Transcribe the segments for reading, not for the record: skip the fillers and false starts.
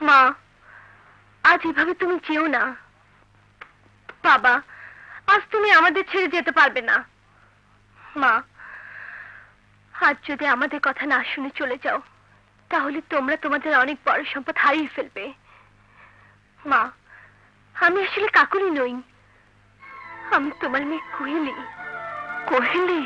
মা, আজ এভাবে তুমি যেও না। বাবা, আজ তুমি আমাদের ছেড়ে যেতে পারবে না। মা, আজ যদি আমাদের কথা না শুনে চলে যাও, তাহলে তোমরা তোমাদের অনেক বড় সম্পদ হারিয়ে ফেলবে। মা, আমি আসলে কাকুলি নই, আমি তোমার মেয়ে কোহেলি। কোহেলি?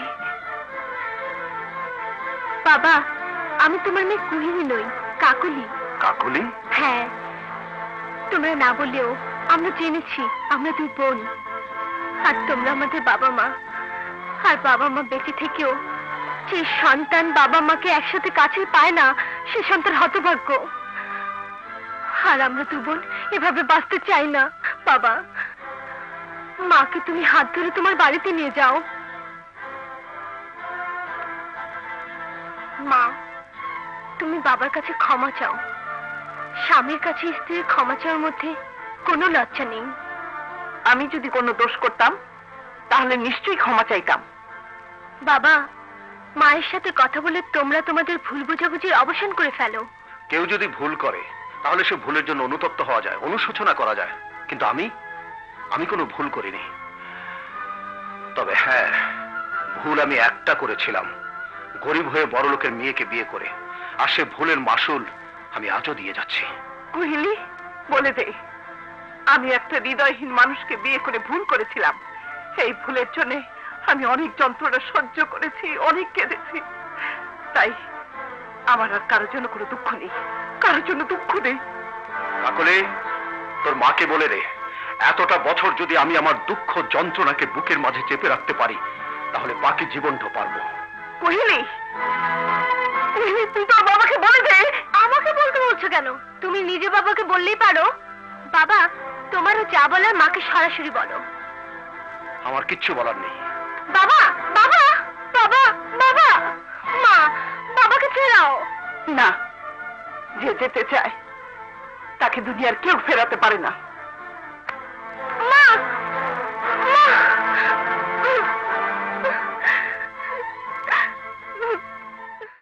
বাবা, আমি তোমার মেয়ে কোহেলি নই, কাকুলি। কাকুলি? হ্যাঁ, তোমরা না বললেও আমরা জেনেছি আমরা দুই বোন। আর তোমরা আমাদের বাবা মা। আর বাবা মা বেঁচে থেকেও যে সন্তান বাবা মাকে একসাথে কাছে পায় না, সে সন্তান হতভাগ্য। আর আমরা দু বোন এভাবে বাঁচতে চাই না। বাবা, মাকে তুমি হাত ধরে তোমার বাড়িতে নিয়ে যাও। মা, তুমি বাবার কাছে ক্ষমা চাও। স্বামীর কাছে স্ত্রীর ক্ষমা চাওয়ার মধ্যে কোনো লজ্জা নেই। আমি যদি কোনো দোষ করতাম তাহলে নিশ্চয়ই ক্ষমা চাইতাম। বাবা, মায়ের সাথে কথা বলে তোমরা তোমাদের ভুল বোঝাবুঝির অবসান করে ফেলো। কেউ যদি ভুল করে তাহলে সে ভুলের জন্য অনুতপ্ত হওয়া যায়, অনুশোচনা করা যায়। কিন্তু আমি কোনো ভুল করিনি। তবে হ্যাঁ, ভুল আমি একটা করেছিলাম, গরিব হয়ে বড় লোকের মেয়েকে বিয়ে করে। আর সে ভুলের মাসুল আমি আজও দিয়ে যাচ্ছি। কুহিলি, বলে দে, আমি একটা হৃদয়হীন মানুষকে বিয়ে করে ভুল করেছিলাম। এই ভুলের জন্য আমি অনেক যন্ত্রণা সহ্য করেছি, অনেক কেঁদেছি। তাই আমার আর কারোর জন্য কোনো দুঃখ নেই, কারোর জন্য দুঃখ নেই। কাকলে, তোর মাকে বলে দে, এতটা বছর যদি আমি আমার দুঃখ যন্ত্রণাকে বুকের মাঝে চেপে রাখতে পারি, তাহলে বাকি জীবনটা পারবো। কুহিলি, কুহিলি, তুই তোর বাবাকে বলে দে। আমাকে বলতে বলছো কেন? তুমি নিজে বাবাকে বললেই পারো। বাবা, তোমারও যা বলার মাকে সরাসরি বলো। আমার কিচ্ছু বলার নেই। বাবা, বাবা, বাবা, বাবা, মা, বাবাকে ফেরাও। না, যে যেতে চায় তাকে দুনিয়ার কেউ ফেরাতে পারে না।